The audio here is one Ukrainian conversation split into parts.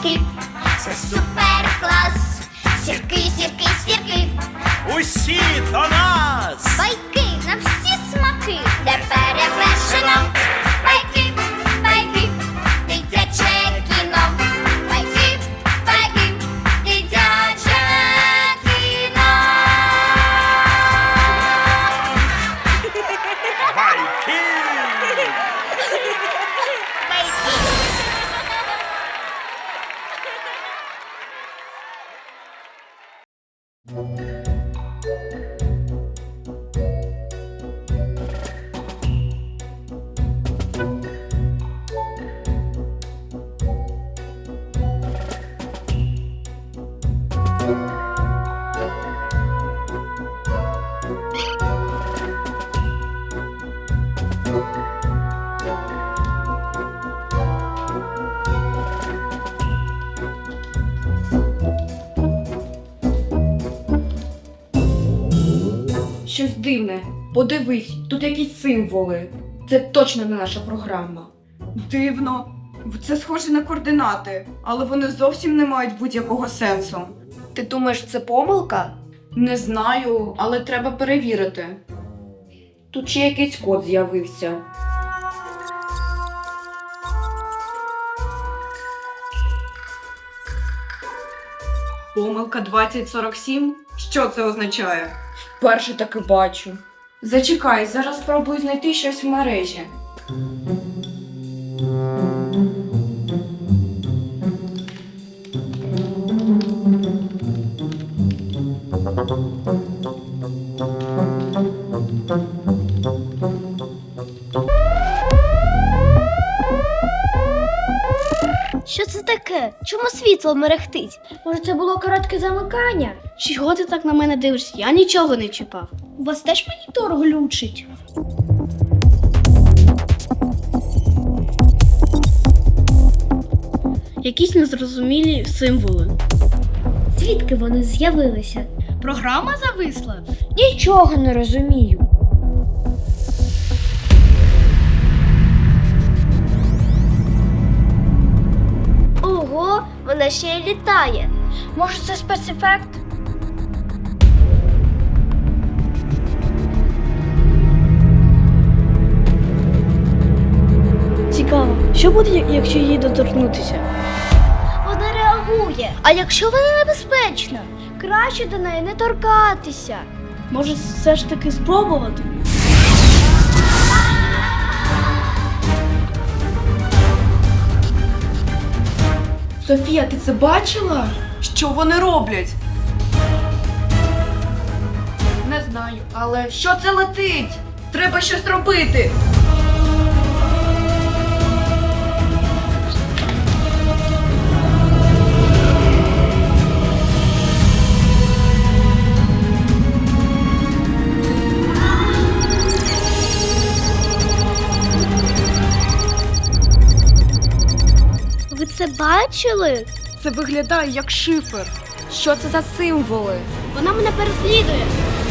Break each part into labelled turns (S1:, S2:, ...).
S1: сірки. Це супер клас. Сірки, сірки, сірки.
S2: Усі до нас!
S1: Байки на всі смаки, де перевершено. Байки, байки, дитяче кіно. Байки, байки, дитяче кіно.
S2: Байки!
S3: Щось дивне. Подивись, тут якісь символи. Це точно не наша програма.
S4: Дивно. Це схоже на координати, але вони зовсім не мають будь-якого сенсу.
S3: Ти думаєш, це помилка?
S4: Не знаю, але треба перевірити.
S3: Тут ще якийсь код з'явився.
S4: Помилка 2047? Що це означає?
S3: Вперше таки бачу.
S4: Зачекай, зараз спробую знайти щось в мережі.
S1: Що це таке? Чому світло мерехтить? Може, це було коротке замикання?
S5: Чого ти так на мене дивишся? Я нічого не чіпав.
S1: У вас теж монітор глючить?
S5: Якісь незрозумілі символи.
S1: Звідки вони з'явилися?
S5: Програма зависла?
S1: Нічого не розумію. Ого, вона ще й літає. Може, це спецефект?
S5: Цікаво, що буде, якщо її доторкнутися?
S1: Вона реагує. А якщо вона небезпечна? Краще до неї не торкатися.
S5: Може, все ж таки спробувати?
S3: Софія, ти це бачила?
S4: Що вони роблять?
S3: Не знаю, але що це летить? Треба щось робити.
S1: Ви це бачили?
S4: Це виглядає як шифр.
S3: Що це за символи?
S1: Вона мене переслідує.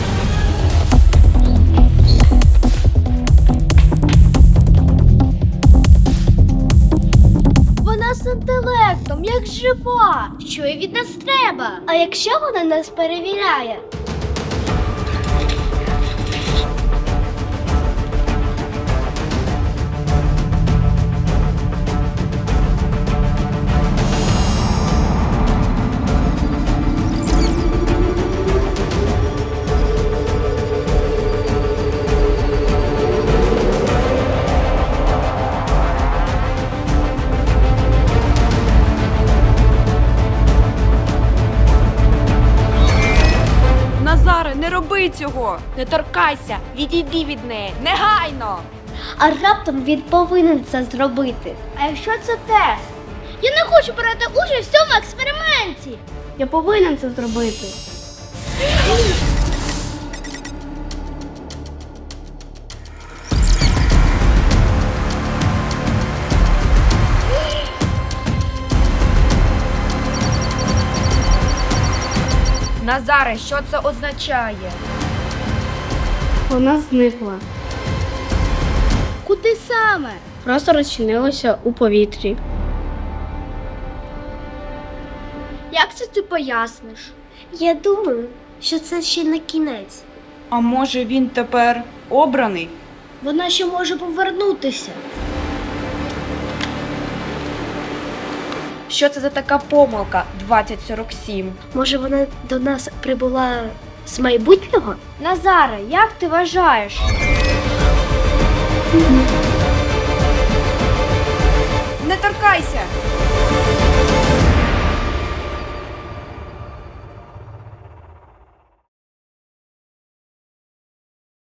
S1: Вона з інтелектом, як жива. Що їй від нас треба? А якщо вона нас перевіряє?
S4: Назаре, не роби цього!
S3: Не торкайся, відійди від неї, негайно!
S1: А раптом він повинен це зробити. А якщо це тест? Я не хочу брати участь в цьому експерименті.
S5: Я повинен це зробити.
S3: Назаре, що це означає?
S5: Вона зникла.
S1: Куди саме?
S5: Просто розчинилася у повітрі.
S1: Як це ти поясниш? Я думаю, що це ще не кінець.
S4: А може він тепер обраний?
S5: Вона ще може повернутися.
S3: Що це за така помилка 2047?
S1: Може, вона до нас прибула з майбутнього? Назаре, як ти вважаєш?
S4: Не торкайся!